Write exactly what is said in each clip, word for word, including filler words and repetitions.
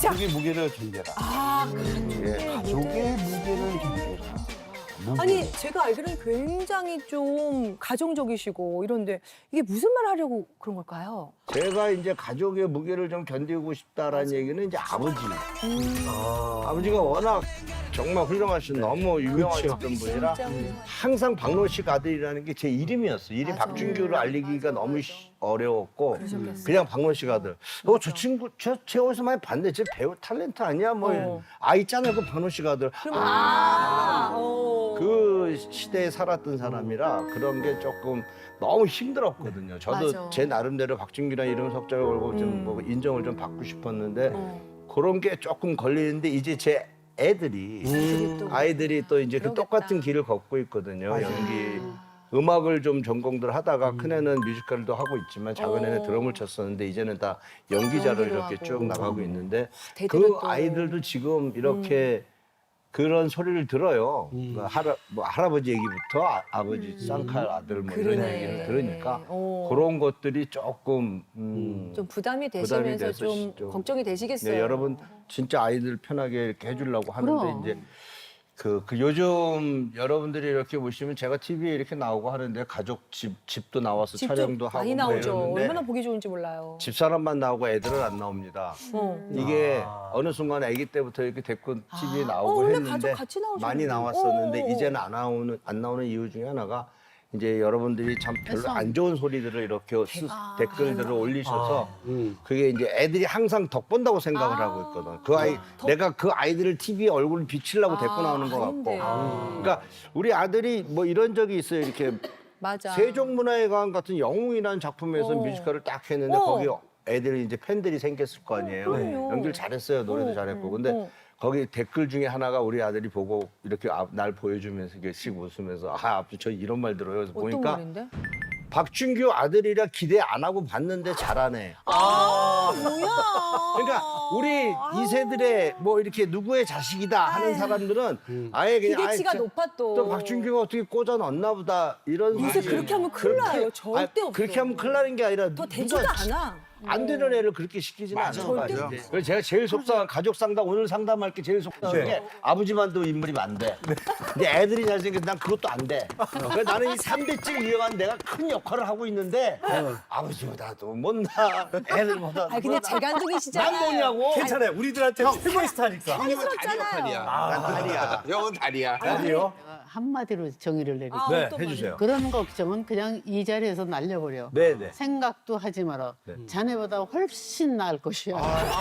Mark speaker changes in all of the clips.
Speaker 1: 가족의 무게를 견뎌라.
Speaker 2: 아,
Speaker 1: 예, 가족의 무게를 견뎌라. 무게.
Speaker 2: 아니 제가 알기로는 굉장히 좀 가정적이시고 이런데 이게 무슨 말 하려고 그런 걸까요?
Speaker 1: 제가 이제 가족의 무게를 좀 견디고 싶다라는 얘기는 이제 아버지. 아버지가 워낙 정말 훌륭하신 너무 유명하셨던 분이라
Speaker 2: 진짜
Speaker 1: 항상 박노식 아들이라는 게 제 이름이었어요. 이름
Speaker 2: 맞아.
Speaker 1: 박준규를 알리기가 너무 쉬- 어려웠고
Speaker 2: 그러셨겠어요.
Speaker 1: 그냥 박노식 아들. 어, 저 친구 저, 제 어디서 많이 봤는데 쟤 배우 탤런트 아니야? 뭐
Speaker 2: 어.
Speaker 1: 아 있잖아요. 그 박노식 아들.
Speaker 2: 그럼 아, 어.
Speaker 1: 그 시대에 살았던 사람이라 그런 게 조금 너무 힘들었거든요. 저도
Speaker 2: 맞아.
Speaker 1: 제 나름대로 박준규라는 이름 석자를 걸고 좀
Speaker 2: 음.
Speaker 1: 뭐 인정을 좀 받고 싶었는데
Speaker 2: 어.
Speaker 1: 그런 게 조금 걸리는데 이제 제 애들이
Speaker 2: 애들이 또
Speaker 1: 아이들이 또 이제 그
Speaker 2: 그러겠다.
Speaker 1: 똑같은 길을 걷고 있거든요. 연기 음악을 좀 전공들 하다가 큰애는 뮤지컬도 하고 있지만 작은애는
Speaker 2: 어.
Speaker 1: 드럼을 쳤었는데 이제는 다 연기자로
Speaker 2: 연기도
Speaker 1: 이렇게
Speaker 2: 하고.
Speaker 1: 쭉 나가고 있는데
Speaker 2: 대대로
Speaker 1: 그
Speaker 2: 또. 음.
Speaker 1: 아이들도 지금 이렇게 그런 소리를 들어요. 그 할아, 뭐 할아버지 얘기부터 아, 아버지 쌍칼 아들 뭐 이런
Speaker 2: 음. 그러네.
Speaker 1: 얘기를 들으니까
Speaker 2: 어.
Speaker 1: 그런 것들이 조금 음,
Speaker 2: 좀 부담이
Speaker 1: 부담이
Speaker 2: 되시면서
Speaker 1: 돼서
Speaker 2: 좀,
Speaker 1: 좀-
Speaker 2: 걱정이 되시겠어요.
Speaker 1: 네, 여러분 진짜 아이들 편하게 이렇게 해주려고 하는데
Speaker 3: 그럼.
Speaker 1: 이제 그, 그 요즘 여러분들이 이렇게 보시면 제가 티비에 이렇게 나오고 하는데 가족 집 집도 나와서
Speaker 2: 집도
Speaker 1: 촬영도 하고
Speaker 2: 많이
Speaker 1: 뭐
Speaker 2: 나오죠.
Speaker 1: 이러는데
Speaker 2: 얼마나 보기 좋은지 몰라요.
Speaker 1: 집사람만 나오고 애들은 안 나옵니다.
Speaker 2: 어.
Speaker 1: 이게 어느 순간 아기 때부터 이렇게 데리고 티비에
Speaker 2: 어,
Speaker 1: 나오고
Speaker 2: 원래
Speaker 1: 했는데
Speaker 2: 가족 같이 나오셨는데.
Speaker 1: 많이 나왔었는데
Speaker 2: 어.
Speaker 1: 이제는 안 나오는 안 나오는 이유 중에 하나가 이제 여러분들이 참 별로
Speaker 3: 그래서-
Speaker 1: 안 좋은 소리들을 이렇게 스-
Speaker 2: 아.
Speaker 1: 댓글들을 올리셔서
Speaker 4: 음.
Speaker 1: 그게 이제 애들이 항상 덕본다고 생각을
Speaker 2: 아.
Speaker 1: 하고 있거든. 그 아이
Speaker 2: 덕-
Speaker 1: 내가 그 아이들을 티비에 얼굴을 비치려고 데리고 나오는 것
Speaker 2: 아닌데.
Speaker 1: 같고. 그러니까 우리 아들이 뭐 이런 적이 있어요. 이렇게
Speaker 2: 맞아.
Speaker 1: 세종문화회관 같은 영웅이라는 작품에서
Speaker 2: 어.
Speaker 1: 뮤지컬을 딱 했는데
Speaker 2: 어.
Speaker 1: 거기 애들이 이제 팬들이 생겼을 거 아니에요.
Speaker 2: 그럼요.
Speaker 1: 연기를 잘했어요. 노래도
Speaker 2: 어,
Speaker 1: 잘했고.
Speaker 2: 음,
Speaker 1: 근데
Speaker 2: 어.
Speaker 1: 거기 댓글 중에 하나가 우리 아들이 보고 이렇게 앞- 날 보여주면서 이렇게 씩 웃으면서 아, 아버지 저 이런 말 들어요. 그래서
Speaker 2: 어떤
Speaker 1: 보니까
Speaker 2: 말인데?
Speaker 1: 박준규 아들이라 기대 안 하고 봤는데 잘하네.
Speaker 2: 아, 뭐야.
Speaker 1: 그러니까 우리 이 세들의 뭐 이렇게 누구의 자식이다 하는 사람들은 아예 그냥
Speaker 2: 기대치가
Speaker 1: 아이, 저-
Speaker 2: 높아 또.
Speaker 1: 또 박준규가 어떻게 꽂아 넣었나 보다 이런
Speaker 2: 요새
Speaker 1: 소리.
Speaker 2: 그렇게 하면 큰일 나요.
Speaker 1: 그렇게-
Speaker 2: 절대
Speaker 1: 아니,
Speaker 2: 없어.
Speaker 1: 그렇게 하면 큰일 나는 게 아니라
Speaker 2: 더
Speaker 1: 누가
Speaker 2: 되지도 않아.
Speaker 1: 안 되는 애를 그렇게 시키지는 않아요.
Speaker 2: 절대
Speaker 1: 맞아요.
Speaker 2: 없어.
Speaker 1: 그래서 제가 제일 속상한 가족 상담 오늘 상담할 게 제일 속상한 게 아버지만도 인물이 안 돼. 근데 애들이 잘생겨서 난 그것도 안 돼. 그래서 나는 이 삼대째 이어간 내가 큰 역할을 하고 있는데 아버지보다도 못나 애들보다
Speaker 2: 아 근데 재간둥이시잖아요.
Speaker 1: 난 뭐냐고.
Speaker 4: 괜찮아요. 우리들한테 최고의 스타니까.
Speaker 1: 형님은 다리 역할이야. 난 다리야. 형은 다리야.
Speaker 4: 아니요.
Speaker 3: 한마디로 정의를 내리고
Speaker 2: 아,
Speaker 1: 네,
Speaker 2: 어떤
Speaker 1: 해주세요.
Speaker 3: 그런 걱정은 그냥 이 자리에서 날려버려.
Speaker 1: 네네.
Speaker 3: 생각도 하지 마라. 자네보다 훨씬 나을 것이야.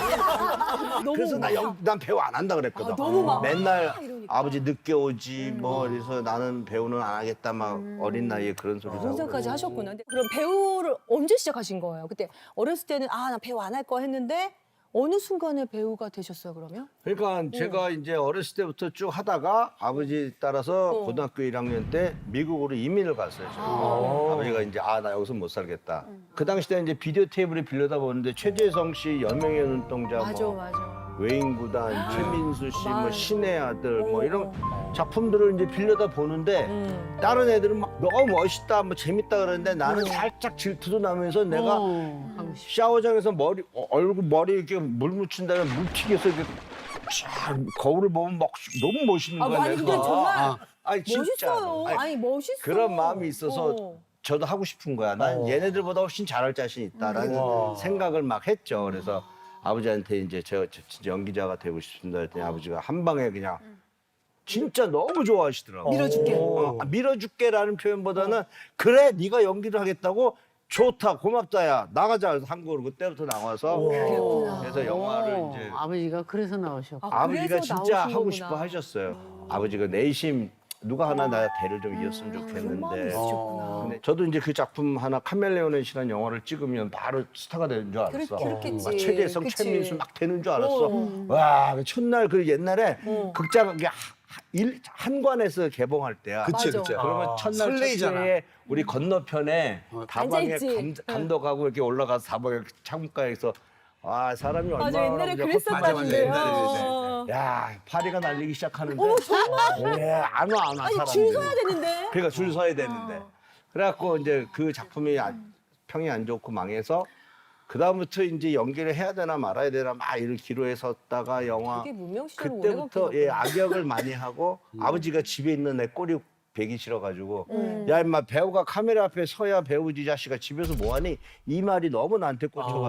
Speaker 2: 너무
Speaker 1: 그래서 나 영, 난 배우 안 한다 그랬거든.
Speaker 2: 아, 너무 막
Speaker 1: 맨날
Speaker 2: 아, 이러니까.
Speaker 1: 아버지 늦게 오지 뭐 그래서 나는 배우는 안 하겠다 막 어린 나이에 그런 소리도
Speaker 2: 그런
Speaker 1: 하고.
Speaker 2: 생각까지 하셨구나. 근데 그럼 배우를 언제 시작하신 거예요? 그때 어렸을 때는 아 나 배우 안 할 거 했는데 어느 순간에 배우가 되셨어요 그러면?
Speaker 1: 그러니까 제가 이제 어렸을 때부터 쭉 하다가 아버지 따라서
Speaker 2: 어.
Speaker 1: 고등학교 일 학년 때 미국으로 이민을 갔어요. 저는. 아버지가 이제 아 나 여기서 못 살겠다. 그 당시 때 이제 비디오 테이프를 빌려다 보는데 최재성 씨 연명의 눈동자
Speaker 2: 맞아
Speaker 1: 뭐
Speaker 2: 맞아.
Speaker 1: 외인구단, 최민수 씨, 뭐
Speaker 2: 맞아.
Speaker 1: 신의 아들, 뭐
Speaker 2: 어,
Speaker 1: 이런 작품들을 이제 빌려다 보는데
Speaker 2: 음.
Speaker 1: 다른 애들은 막 너무 멋있다, 뭐 재밌다 그러는데 나는
Speaker 2: 음.
Speaker 1: 살짝 질투도 나면서 내가
Speaker 3: 어, 하고 싶어.
Speaker 1: 샤워장에서 머리 어, 얼굴 머리 이렇게 물 묻힌 다음에 물 튀겨서 이렇게 쫙 거울을 보면 막 너무 멋있는
Speaker 2: 아
Speaker 1: 거야.
Speaker 2: 아니 근데
Speaker 1: 내가.
Speaker 2: 정말
Speaker 1: 아, 아니, 진짜.
Speaker 2: 멋있어요.
Speaker 1: 아니,
Speaker 2: 아니, 멋있어.
Speaker 1: 그런 마음이 있어서
Speaker 2: 어.
Speaker 1: 저도 하고 싶은 거야. 난
Speaker 4: 어.
Speaker 1: 얘네들보다 훨씬 잘할 자신 있다라는
Speaker 4: 와.
Speaker 1: 생각을 막 했죠. 그래서 아버지한테 이제 제가 저- 진짜 연기자가 되고 싶습니다 했더니 아버지가 한 방에 그냥 진짜 너무 좋아하시더라고.
Speaker 2: 밀어줄게.
Speaker 1: 어, 아, 밀어줄게라는 표현보다는 그래 네가 연기를 하겠다고 좋다 고맙다야 나가자 그래서 한국으로 그때부터 나와서
Speaker 2: 그랬구나.
Speaker 1: 그래서 영화를
Speaker 3: 어,
Speaker 1: 이제
Speaker 3: 아버지가 그래서 나오셨고.
Speaker 2: 아,
Speaker 1: 아버지가
Speaker 2: 그래서
Speaker 1: 진짜
Speaker 2: 나오신
Speaker 1: 하고
Speaker 2: 거구나.
Speaker 1: 싶어 하셨어요. 아버지가 내심 누가 하나 나 대를 좀 이었으면
Speaker 2: 그런 마음이
Speaker 1: 좋겠는데.
Speaker 2: 있으셨구나.
Speaker 1: 근데 저도 이제 그 작품 하나 카멜레온이라는 영화를 찍으면 바로 스타가 되는 줄 알았어.
Speaker 2: 그렇- 그렇겠지.
Speaker 1: 막 최재성,
Speaker 2: 그치.
Speaker 1: 최민수 막 되는 줄 알았어.
Speaker 2: 어.
Speaker 1: 와, 그 첫날 그 옛날에
Speaker 2: 어.
Speaker 1: 극장 이게 하- 일 한관에서 개봉할 때야.
Speaker 2: 그치, 맞아. 그치.
Speaker 1: 그러면
Speaker 4: 아,
Speaker 1: 첫날
Speaker 4: 설레이잖아.
Speaker 1: 첫째에 우리 건너편에 다방에
Speaker 2: 앉아있지.
Speaker 1: 감, 감독하고 이렇게 올라가서 다방에 창문가에서 와 사람이 얼마나
Speaker 2: 맞아 옛날에
Speaker 1: 그냥
Speaker 2: 그랬었다는데요.
Speaker 4: 맞아, 맞아, 옛날에
Speaker 2: 어.
Speaker 1: 야 파리가 날리기 시작하는데
Speaker 2: 어머 정말?
Speaker 1: 예, 안 와 안 와
Speaker 2: 아니
Speaker 1: 사람들이.
Speaker 2: 줄 서야 되는데.
Speaker 1: 그러니까 줄 서야 되는데.
Speaker 2: 어.
Speaker 1: 그래갖고 이제 그 작품이 아- 평이 안 좋고 망해서 그 다음부터 이제 연기를 해야 되나 말아야 되나 막 이런 기로에 섰다가 영화
Speaker 2: 되게 무명 시절을 오래
Speaker 1: 그때부터
Speaker 2: 갔구나.
Speaker 1: 예 악역을 많이 하고 아버지가 집에 있는 애 꼬리 베기 싫어가지고 야 임마 배우가 카메라 앞에 서야 배우지 자식아 집에서 뭐하니 이 말이 너무 나한테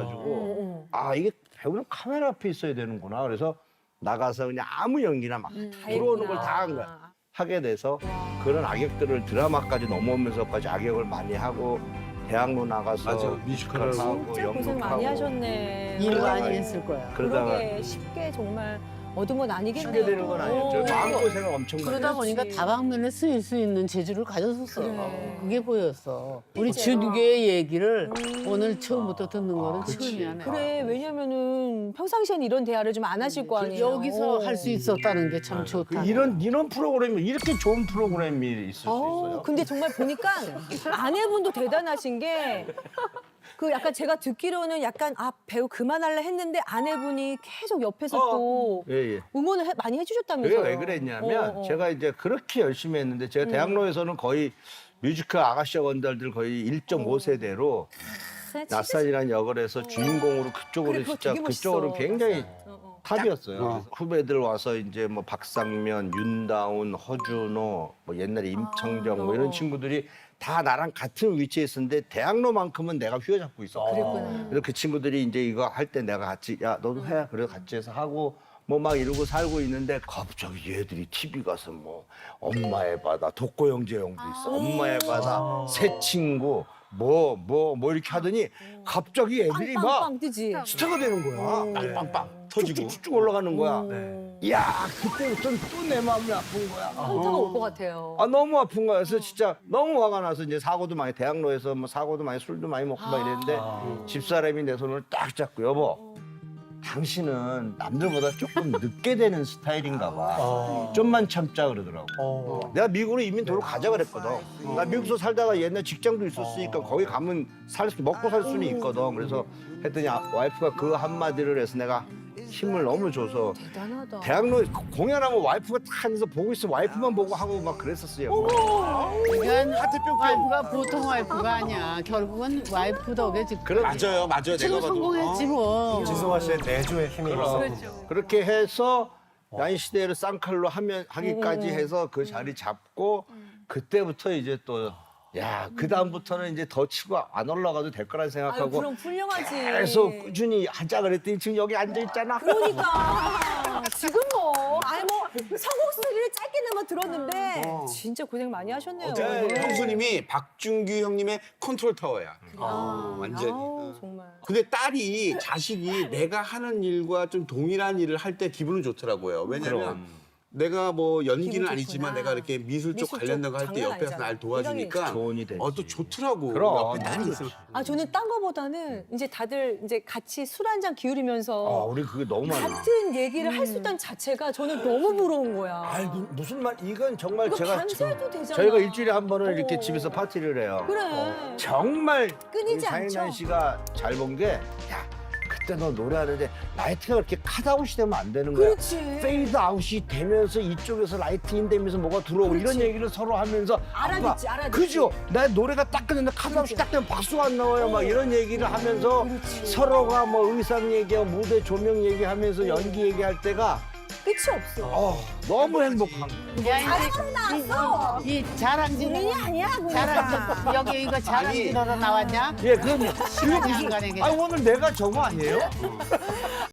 Speaker 1: 꽂혀가지고 아 이게 배우는 카메라 앞에 있어야 되는구나 그래서 나가서 그냥 아무 연기나 막 들어오는 걸 다 한 거야. 하게 돼서 그런 악역들을 드라마까지 넘어오면서까지 악역을 많이 하고 대학로 나가서
Speaker 5: 맞아, 뮤지컬을
Speaker 1: 하고
Speaker 2: 진짜 고생 많이
Speaker 1: 연극하고
Speaker 2: 하셨네.
Speaker 3: 일
Speaker 1: 그러다가
Speaker 3: 많이 했을 거야.
Speaker 1: 그러다가
Speaker 2: 그러게 쉽게 정말 얻은 건 아니겠네요.
Speaker 1: 쉽게 되는 건 아니었죠.
Speaker 2: 어.
Speaker 1: 마음고생을 엄청 많이
Speaker 3: 그러다
Speaker 1: 했어요.
Speaker 3: 보니까
Speaker 2: 그렇지.
Speaker 3: 다방면에 쓰일 수 있는 재주를 가졌었어.
Speaker 2: 그래.
Speaker 3: 그게 보였어. 우리
Speaker 2: 그치.
Speaker 3: 준규의 얘기를
Speaker 2: 음.
Speaker 3: 오늘 처음부터 듣는 거는 처음이야. 내가.
Speaker 2: 그래 왜냐면은 평상시엔 이런 대화를 좀 안 하실 거 아니에요.
Speaker 3: 여기서 할 수 있었다는 게 참 좋다.
Speaker 1: 그 이런 이런 프로그램이 이렇게 좋은 프로그램이 있을 수
Speaker 2: 어,
Speaker 1: 있어요.
Speaker 2: 근데 정말 보니까 아내분도 대단하신 게 그 약간 제가 듣기로는 약간 아 배우 그만할래 했는데 아내분이 계속 옆에서 또
Speaker 1: 예, 예.
Speaker 2: 응원을 해- 많이 해주셨다면서요.
Speaker 1: 그게 왜 그랬냐면
Speaker 2: 어, 어.
Speaker 1: 제가 이제 그렇게 열심히 했는데 제가 대학로에서는 거의 뮤지컬 아가씨 원달들 거의 일 점 오 세대로 낯산이라는 역을 해서 주인공으로 그쪽으로
Speaker 2: 그래, 그거
Speaker 1: 진짜
Speaker 2: 되게 멋있어.
Speaker 1: 그쪽으로 굉장히
Speaker 2: 어, 어.
Speaker 1: 탑이었어요. 그래서 후배들 와서 이제 뭐 박상면, 윤다운, 허준호, 뭐 옛날에 임창정 뭐 이런
Speaker 2: 어.
Speaker 1: 친구들이 다 나랑 같은 위치에 있었는데 대학로만큼은 내가 휘어잡고 있었고
Speaker 2: 그랬구나.
Speaker 1: 그래서 그 친구들이 이제 이거 할 때 내가 같이 야 너도 해 그래서 같이 해서 하고 뭐 막 이러고 살고 있는데 갑자기 얘들이 티비 가서 뭐 엄마의 바다 독고영재 형도 있어 엄마의 바다 새 친구 뭐 뭐 뭐 이렇게 하더니 갑자기 애들이 막
Speaker 2: 빵빵빵 뜨지.
Speaker 1: 스타가 되는 거야.
Speaker 5: 빵빵빵 터지고.
Speaker 1: 쭉쭉 올라가는 거야.
Speaker 2: 네.
Speaker 1: 이야 그때부터는 또 내 마음이 아픈 거야.
Speaker 2: 현타가 올 것 같아요.
Speaker 1: 아 너무 아픈 거야. 그래서 진짜 너무 화가 나서 이제 사고도 많이 대학로에서 뭐 사고도 많이 술도 많이 먹고 막 이랬는데 집사람이 내 손을 딱 잡고 여보 당신은 남들보다 조금 늦게 되는 스타일인가 봐. 좀만 참자 그러더라고.
Speaker 4: 어.
Speaker 1: 내가 미국으로 이민 도로 가자 그랬거든. 나 미국에서 살다가 옛날 직장도 있었으니까 거기 가면 살 수, 먹고 살 수는 있거든. 그래서 했더니 아, 와이프가 그 한마디를 해서 내가 힘을 너무 줘서
Speaker 2: 대단하다.
Speaker 1: 대학로 공연하면 와이프가 탁 앉아서 보고 있어 와이프만 보고 하고 막 그랬었어요.
Speaker 3: 그러니까
Speaker 5: 하트뿅뿅.
Speaker 3: 와이프가 보통 와이프가 아니야. 결국은 와이프 덕에 지금
Speaker 1: 그런
Speaker 5: 맞아요, 맞아요. 내가
Speaker 3: 지금
Speaker 5: 봐도.
Speaker 3: 성공했지
Speaker 5: 어.
Speaker 3: 뭐.
Speaker 4: 지승화 씨의 내조의 힘이 있어.
Speaker 1: 그렇게 해서 야인 시대를 쌍칼로 하면 하기까지 해서 그 자리 잡고 그때부터 이제 또 야, 그 다음부터는 이제 더 치고 안 올라가도 될 거란
Speaker 2: 아유,
Speaker 1: 생각하고
Speaker 2: 그럼 훌륭하지.
Speaker 1: 계속 꾸준히 하자 그랬더니 지금 여기 앉아 있잖아.
Speaker 2: 그러니까 지금 뭐 아니 뭐 성공 스토리를 짧게나마 들었는데 진짜 고생 많이 하셨네요.
Speaker 5: 어쨌든
Speaker 2: 네.
Speaker 5: 형수님이 박준규 형님의 컨트롤 타워야. 어, 완전히.
Speaker 2: 아우, 정말.
Speaker 5: 근데 딸이 자식이 내가 하는 일과 좀 동일한 일을 할 때 기분은 좋더라고요. 왜냐면 내가 뭐 연기는
Speaker 2: 기분
Speaker 5: 아니지만
Speaker 2: 좋구나.
Speaker 5: 내가 이렇게 미술 쪽
Speaker 2: 미술
Speaker 5: 관련된 거 할
Speaker 2: 쪽
Speaker 5: 때
Speaker 2: 장난
Speaker 5: 옆에서
Speaker 2: 아니잖아.
Speaker 5: 날 도와주니까
Speaker 1: 조언이 되지.
Speaker 5: 어, 또 좋더라고.
Speaker 1: 그럼.
Speaker 5: 옆에 딸이 있으면.
Speaker 2: 아 저는 딴 거보다는 이제 다들 이제 같이 술 한 잔 기울이면서
Speaker 1: 아, 우리 그게 너무 많아.
Speaker 2: 같은 얘기를 할 수 있다는 자체가 저는 너무 부러운 거야.
Speaker 1: 아이 무- 무슨 말 이건 정말
Speaker 2: 이거
Speaker 1: 제가
Speaker 2: 밤새도 되잖아.
Speaker 1: 저희가 일주일에 한 번은 이렇게
Speaker 2: 어.
Speaker 1: 집에서 파티를 해요.
Speaker 2: 그래.
Speaker 1: 정말
Speaker 2: 끊이지
Speaker 1: 장인환
Speaker 2: 않죠?
Speaker 1: 씨가 잘 본 게 야 그때 너 노래하는데 라이트가 그렇게 컷아웃이 되면 안 되는 거야.
Speaker 2: 그렇지.
Speaker 1: 페이드 아웃이 되면서 이쪽에서 라이트 인 되면서 뭐가 들어오고 이런 얘기를 서로 하면서
Speaker 2: 알아듣지,
Speaker 1: 아빠,
Speaker 2: 알아듣지.
Speaker 1: 그죠? 나 노래가 딱 끝났는데 컷아웃이 딱 되면 박수가 안 나와요. 막 이런 얘기를 하면서
Speaker 2: 그렇지.
Speaker 1: 서로가 뭐 의상 얘기하고 무대 조명 얘기하면서 연기 얘기할 때가
Speaker 2: 끝이 없어.
Speaker 1: 어, 너무 행복한 거야.
Speaker 3: 야,
Speaker 2: 자랑으로 나왔어.
Speaker 3: 이, 이 자랑질
Speaker 2: 본인이 아니야, 그냥.
Speaker 3: 자랑 여기 이거 자랑질하러 나왔냐?
Speaker 1: 예, 그럼 이거
Speaker 3: 시간이 안
Speaker 1: 무슨?
Speaker 3: 가네,
Speaker 1: 아 오늘 내가 저거 아니에요?